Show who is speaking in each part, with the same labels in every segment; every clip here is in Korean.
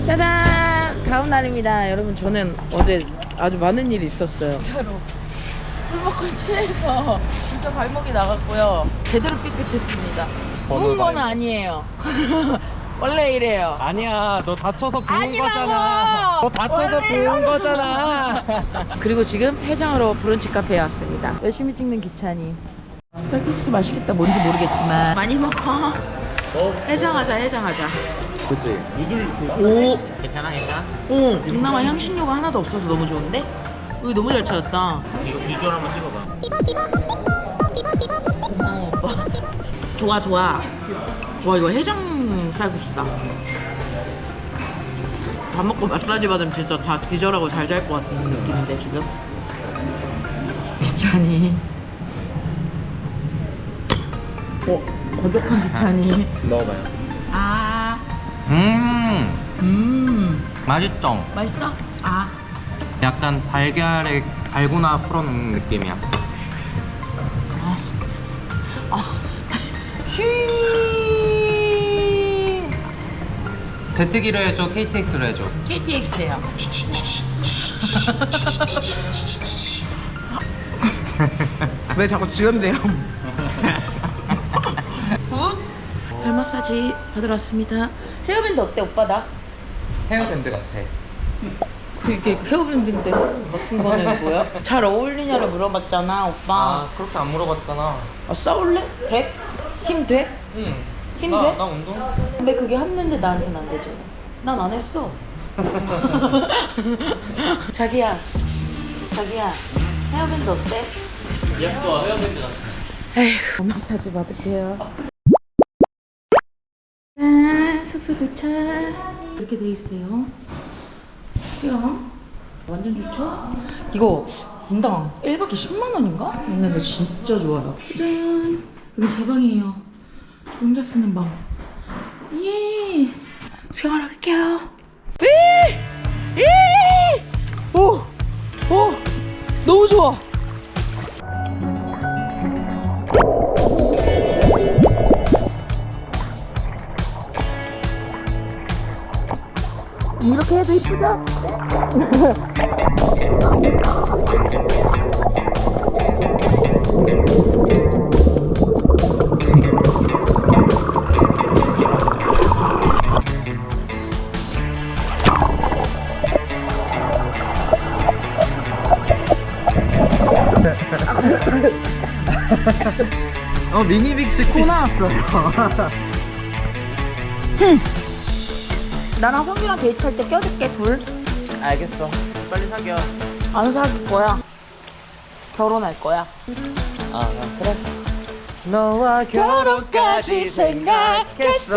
Speaker 1: 짜잔! 다음 날입니다. 여러분, 저는 어제 아주 많은 일이 있었어요. 진짜로 술 먹고 취해서 진짜 발목이 나갔고요. 제대로 삐끗했습니다. 부은 건 아니에요. 원래 이래요.
Speaker 2: 아니야, 너 다쳐서 부은
Speaker 1: 아니라고!
Speaker 2: 거잖아. 너 다쳐서 부은 거잖아.
Speaker 1: 그리고 지금 해장하러 브런치 카페에 왔습니다. 열심히 찍는 기찬이. 쌀국수 맛있겠다. 뭔지 모르겠지만 많이 먹어. 해장하자, 해장하자.
Speaker 2: 그치.
Speaker 1: 오,
Speaker 2: 괜찮아, 괜찮아?
Speaker 1: 오, 동남아 향신료가 하나도 없어서 너무 좋은데? 여기 너무 잘 찾았다.
Speaker 2: 이거 비주얼 한번 찍어봐.
Speaker 1: 고마워, 오빠. 좋아, 좋아. 와, 이거 해장 쌀국수다. 밥 먹고 마사지 받으면 진짜 다 기절하고 잘 잘 것 같은 느낌인데, 지금. 기찬이. 거격한 기찬이.
Speaker 2: 먹어봐요.
Speaker 1: 아,
Speaker 2: 맛있죠?
Speaker 1: 맛있어? 아.
Speaker 2: 약간 달걀에 달고나 풀어놓은 느낌이야.
Speaker 1: 아, 진짜. 아, 쉬.
Speaker 2: 제트기로 해줘, KTX로 해줘.
Speaker 1: KTX예요. 왜 자꾸 지연돼요? 발 마사지 받으러 왔습니다. 헤어밴드 어때, 오빠 나?
Speaker 2: 헤어밴드 같아.
Speaker 1: 그게 헤어밴드인데 같은 거는 뭐야? 잘 어울리냐를 물어봤잖아, 오빠.
Speaker 2: 아, 그렇게 안 물어봤잖아.
Speaker 1: 아, 싸울래? 돼? 힘 돼?
Speaker 2: 응.
Speaker 1: 힘 돼?
Speaker 2: 나 운동했어.
Speaker 1: 근데 그게 했는데 나한테는 안 되죠. 난 안 했어. 자기야, 헤어밴드 어때?
Speaker 2: 예뻐, 헤어밴드 같아.
Speaker 1: 에휴, 마사지 받을게요. 짠, 숙소 도착. 이렇게 돼 있어요. 수영. 완전 좋죠? 이거 인당 1박에 10만 원인가? 했는데 진짜 좋아요. 짜잔, 여기 제 방이에요. 저 혼자 쓰는 방. 예. 수영하러 갈게요. 오, 너무 좋아. 이렇게 해도 이쁘죠?
Speaker 2: 미니 빅스 코 나왔어.
Speaker 1: 나랑 성규랑 데이트할 때 껴줄게, 둘.
Speaker 2: 알겠어. 빨리 사겨.
Speaker 1: 안 사귈 거야. 결혼할 거야.
Speaker 2: 아, 그래. 너와 결혼까지 생각했어.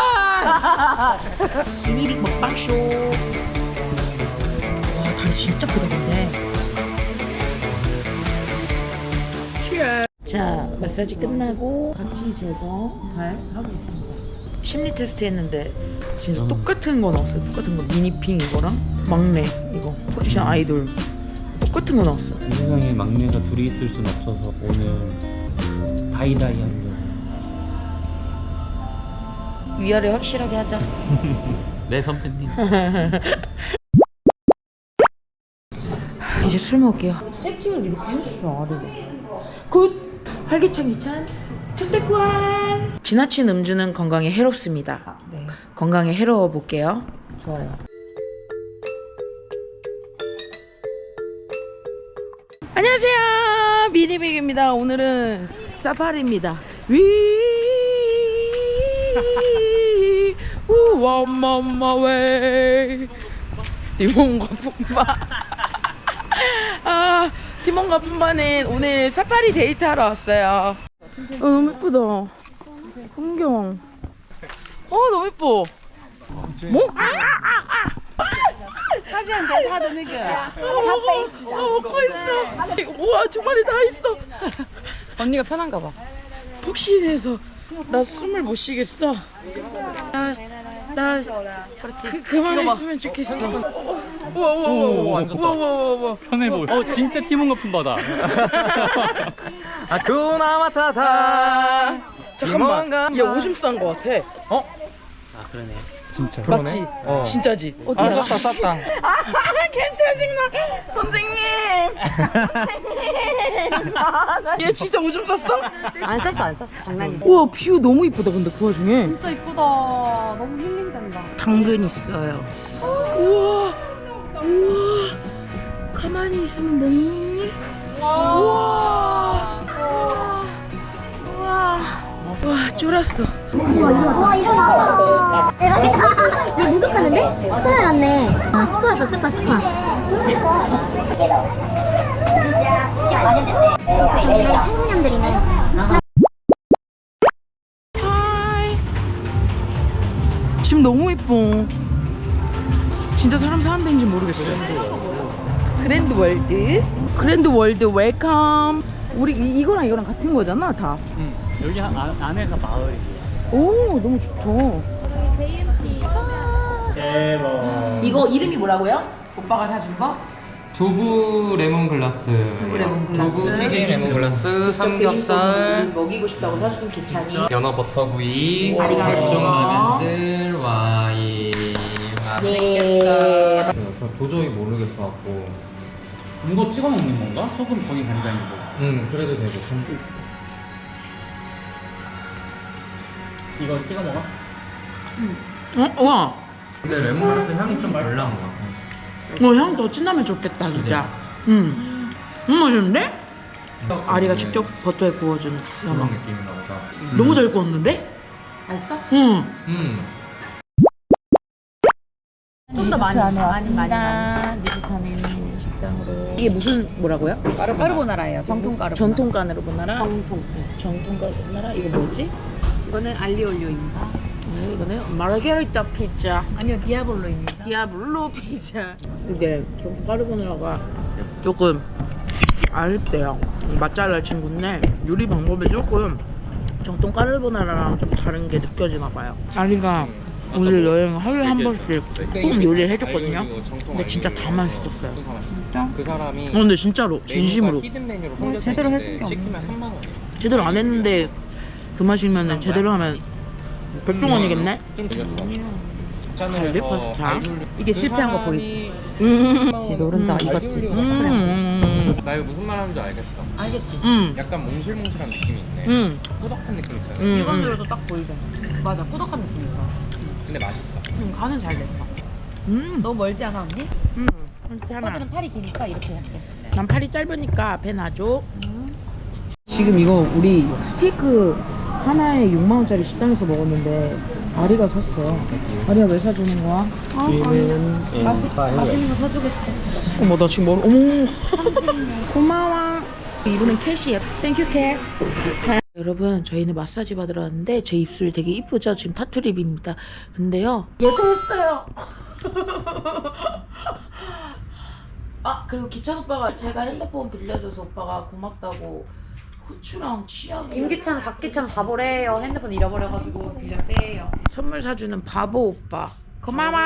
Speaker 1: 미리 먹방쇼. 와, 다리 진짜 크다, 근데. 자, 마사지 끝나고 각질 제거 잘 하고 있습니다. 심리 테스트 했는데 진짜 똑같은 거 나왔어요. 똑같은 거. 미니핑 이거랑 막내 이거 포지션 아이돌 똑같은 거 나왔어.
Speaker 3: 이 세상에 막내가 둘이 있을 순 없어서 오늘 다이다이 하는
Speaker 1: 위아래 확실하게 하자.
Speaker 3: 내 선배님.
Speaker 1: 이제 술 먹을게요. 세팅을 이렇게 해주죠, 아래로. 굿! 활기찬 기찬 청대권. 지나친 음주는 건강에 해롭습니다. 네. 건강에 해로워 볼게요. 좋아요. 안녕하세요, 미니빅입니다. 오늘은 사파리입니다. One mama way. 디몬과 품바. 아, 디몬과 품바는 오늘 사파리 데이트하러 왔어요. 너무 예쁘다. 풍경. 너무 예뻐. 뭐?
Speaker 4: 사주한테 사도 느껴.
Speaker 1: 먹고 있어. 우와, 두 마리 다 있어.
Speaker 4: 언니가 편한가 봐.
Speaker 1: 폭신해서 나 숨을 못 쉬겠어. 나 그만했으면 좋겠어. 우와.
Speaker 3: 편해 보여. 진짜 티몬 거품 받아.
Speaker 2: 아쿠나 마타타.
Speaker 1: 잠깐만, 얘 오줌 싼 거 같아.
Speaker 3: 아 그러네. 진짜.
Speaker 1: 맞지?
Speaker 3: 어.
Speaker 1: 진짜지?
Speaker 3: 아 쌌다.
Speaker 1: 괜찮으신가? 선생님! 얘 진짜 오줌 쌌어?
Speaker 4: 안 쌌어 장난이야.
Speaker 1: 우와 뷰 너무 이쁘다 근데 그 와중에
Speaker 4: 진짜 이쁘다. 너무 힐링된다.
Speaker 1: 당근 있어요. 우와 우와 가만히 있으면 먹니? 우와 우와 와 쫄았어.
Speaker 5: 와 이거 나왔다. 얘 목욕하는데? 스파 해놨네. 아 스파였어 스파. 청소년들이네.
Speaker 1: 하이 지금 너무 이뻐. 진짜 사람 사는 데인지 모르겠어요. 그랜드 월드 웰컴. 우리 이거랑 이거랑 같은 거잖아 다.
Speaker 3: 응. 여기 안에가 마을이에요.
Speaker 1: 오 너무 좋다.
Speaker 3: 대박.
Speaker 1: 이거 이름이 뭐라고요? 오빠가 사준 거?
Speaker 6: 두부 레몬글라스,
Speaker 1: 레몬글라스.
Speaker 6: 두부 튀김 레몬글라스, 삼겹살,
Speaker 1: 먹이고 싶다고 사준 기찬이.
Speaker 6: 연어 버터구이,
Speaker 1: 아리가 해준 거.
Speaker 6: 라면들, 와인.
Speaker 1: 예.
Speaker 6: 저 도저히 모르겠어갖고.
Speaker 3: 이거 찍어 먹는 건가? 소금 거기 간장이고.
Speaker 6: 그래도 되고.
Speaker 3: 이거 찍어 먹어?
Speaker 1: 와.
Speaker 6: 근데 레몬글라스 향이 좀 덜 나는 것 같아.
Speaker 1: 향 더 진하면 좋겠다 진짜. 맛있는데? 아리가 직접 버터에 구워준 연어.
Speaker 6: 그런 느낌인가 보다.
Speaker 1: 너무 잘 구웠는데?
Speaker 4: 맛있어?
Speaker 1: 응.
Speaker 4: 좀 더 많이.
Speaker 1: 니트타는 식당으로. 이게 무슨 뭐라고요?
Speaker 4: 까르보나라예요. 정통 까르보나라.
Speaker 1: 전통 까르보나라.
Speaker 4: 정통.
Speaker 1: 정통 까르보나라. 이거 뭐지?
Speaker 4: 이거는 알리올리오입니다.
Speaker 1: 이거는 마르게리타 피자.
Speaker 4: 아니요 디아볼로입니다.
Speaker 1: 디아블로 피자. 이게 정통 까르보나라가 조금 아쉽대요. 맛잘날 친구인데 요리 방법이 조금 정통 까르보나라랑 좀 다른 게 느껴지나 봐요. 아리가 우리 여행 하루에 한 번씩 꼭 요리를 해줬거든요. 근데 진짜 다 맛있었어요.
Speaker 6: 진짜? 그 사람이
Speaker 1: 근데 진짜로 진심으로
Speaker 6: 히든 메뉴로
Speaker 4: 제대로 해준 게 없네.
Speaker 6: 시키면 3만 원.
Speaker 1: 제대로 안 했는데 그 맛이면 제대로 하면 100동원이겠네?
Speaker 6: 좀 드렸어.
Speaker 1: 갈비 파스타.
Speaker 4: 이게 실패한 거 보이지?
Speaker 1: 음.
Speaker 4: 노른자가 익었지.
Speaker 6: 나 이거 무슨 말 하는지 알겠어.
Speaker 1: 음.
Speaker 6: 약간 몽실몽실한 느낌이 있네. 꾸덕한 느낌 있잖아.
Speaker 4: 이건 들어도 딱 보이잖아. 맞아 꾸덕한 느낌 있어.
Speaker 6: 근데 맛있어.
Speaker 4: 간은 잘 됐어. 너무 멀지 않아 언니?
Speaker 1: 하나.
Speaker 4: 오빠들은 팔이 기니까 이렇게 할게.
Speaker 1: 난 팔이 짧으니까 앞에 놔줘. 지금 이거 우리 스테이크 하나에 6만 원짜리 식당에서 먹었는데 아리가 샀어. 아리가 왜 사주는 거야?
Speaker 4: 맛있는 거 사주고 싶었어.
Speaker 1: 어머 나 지금 어머 고마워. 이분은 캐시예요. 땡큐 캐. 여러분 저희는 마사지 받으러 왔는데 제 입술 되게 이쁘죠? 지금 타투립입니다. 근데요 얘도 했어요. 아 그리고 기찬 오빠가 제가 핸드폰 빌려줘서 오빠가 고맙다고 후추랑 치약
Speaker 4: 김기찬 박기찬 바보래요. 핸드폰 잃어버려가지고 빌렸대요.
Speaker 1: 선물 사주는 바보 오빠 고마워.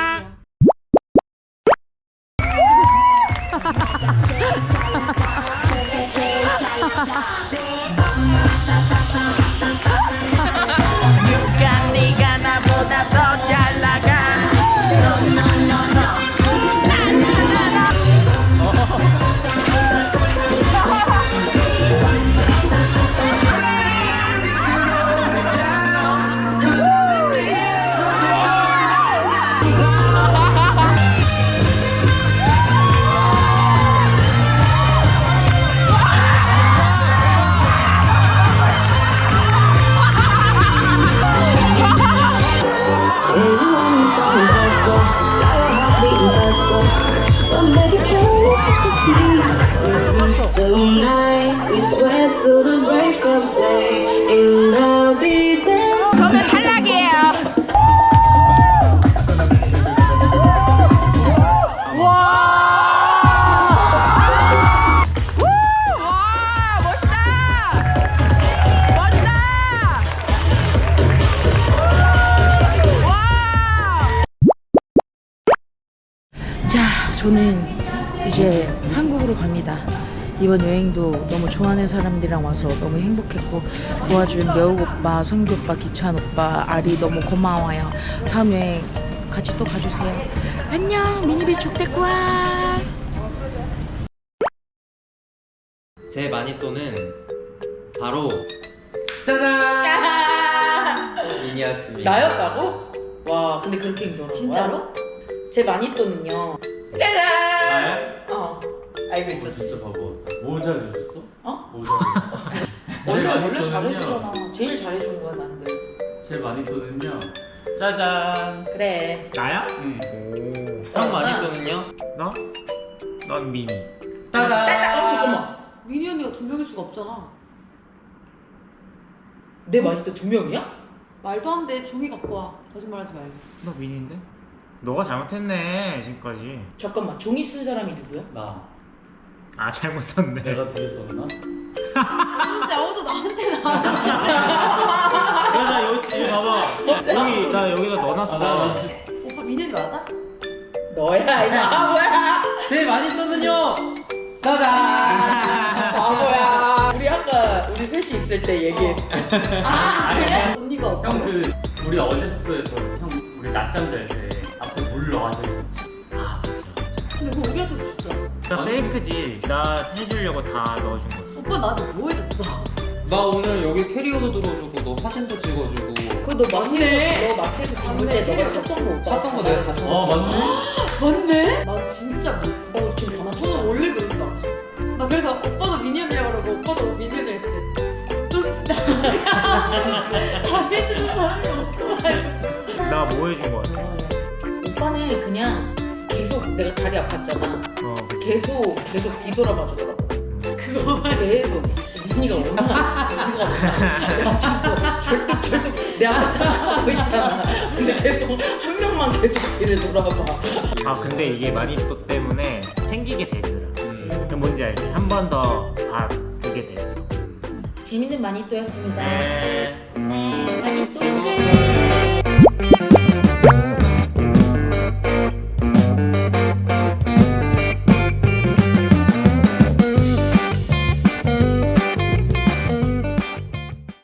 Speaker 1: 네가 나보다 더 잘 나가. 저는 탈락이에요. 와 멋있다. 멋있다. 와. 자, 저는 이제 한국으로 갑니다. 이번 여행도 너무 좋아하는 사람들이랑 와서 너무 행복했고 도와준 여욱 오빠, 성규 오빠, 기찬 오빠, 아리 너무 고마워요. 다음 여행 같이 또 가주세요. 안녕 미니비 족대꾸아.
Speaker 6: 제 마니또는 바로 미니였습니다.
Speaker 1: 나였다고? 와 근데 그렇게 힘들어.
Speaker 4: 진짜로?
Speaker 1: 제 마니또는요. 짜잔. 알고 있었지.
Speaker 3: 진짜 바보. 뭐 잘해줬어?
Speaker 1: 어?
Speaker 3: 뭐 잘해줬어?
Speaker 1: 원래 잘해주잖아. 제일 잘해준 거야 나는.
Speaker 3: 제일 많이 떠는요. 짜잔.
Speaker 1: 그래.
Speaker 2: 나야?
Speaker 3: 응.
Speaker 6: 형 마니또는요?
Speaker 2: 너? 넌 미니.
Speaker 1: 잠깐만.
Speaker 4: 미니 언니가 2명일 수가 없잖아.
Speaker 1: 내 마니또 2명이야?
Speaker 4: 말도 안 돼. 종이 갖고 와. 거짓말하지 말고.
Speaker 2: 너 미니인데? 너가 잘못했네 지금까지.
Speaker 1: 잠깐만 종이 쓴 사람이 누구야?
Speaker 3: 나.
Speaker 2: 아 잘못 썼네.
Speaker 3: 내가 두 개 썼나?
Speaker 4: 진짜 아무도 나한테 나.
Speaker 2: 야나 여기 지금 봐봐. 여기 나 여기다 넣어놨어.
Speaker 4: 오빠 미니 언니 맞아?
Speaker 1: 너야 이거 바보야. 제일 마니또는요. 짜잔. 바보야. 우리 아까 우리 셋이 있을 때 얘기했어.
Speaker 4: 아 그래? 언니가 없고.
Speaker 3: 형 그 우리 어제 숙소에서 형 우리 낮잠 잘 때 앞에 물 넣어가지고.
Speaker 2: 아 맞아.
Speaker 4: 근데 그거 우리한테 줬잖아.
Speaker 2: 나 페이크지. 나 해주려고 다 넣어준 거지.
Speaker 4: 오빠 나한테 뭐 해줬어?
Speaker 6: 나 오늘 여기 캐리어도 들어주고 너 사진도 찍어주고
Speaker 1: 그너 마트에서 너 마트에서 담을 때 너가 찾던 거 오빠.
Speaker 6: 찾던 거 내가 다
Speaker 3: 어 맞네.
Speaker 4: 맞네? 나 진짜 못.
Speaker 1: 어 지금 다 맞춰.
Speaker 4: 저는 원래 그랬어. 나 그래서 오빠도 미니 언니라고 그러고 오빠도 미니 언니 했을 때. 좀 진짜 잘해주는 사람이 없구나.
Speaker 2: 나 뭐 해준 거 같아?
Speaker 1: 오빠는 그냥 계속 내가 다리 아팠잖아.
Speaker 2: 어 그치.
Speaker 1: 계속 뒤돌아봐 주더라고.
Speaker 4: 그거만
Speaker 1: 계속 민이가 얼마나 민이가 내 앞에서 절뚝 내 앞에 딱 하고 있잖아. 근데 계속 한 명만 계속 뒤를 돌아봐.
Speaker 2: 아 근데 이게 마니또 때문에 챙기게 되더라. 그 뭔지 알지? 한 번 더 봐두게 되더라.
Speaker 1: 재밌는 마니또였습니다.
Speaker 2: 네.
Speaker 1: 마니또 끝.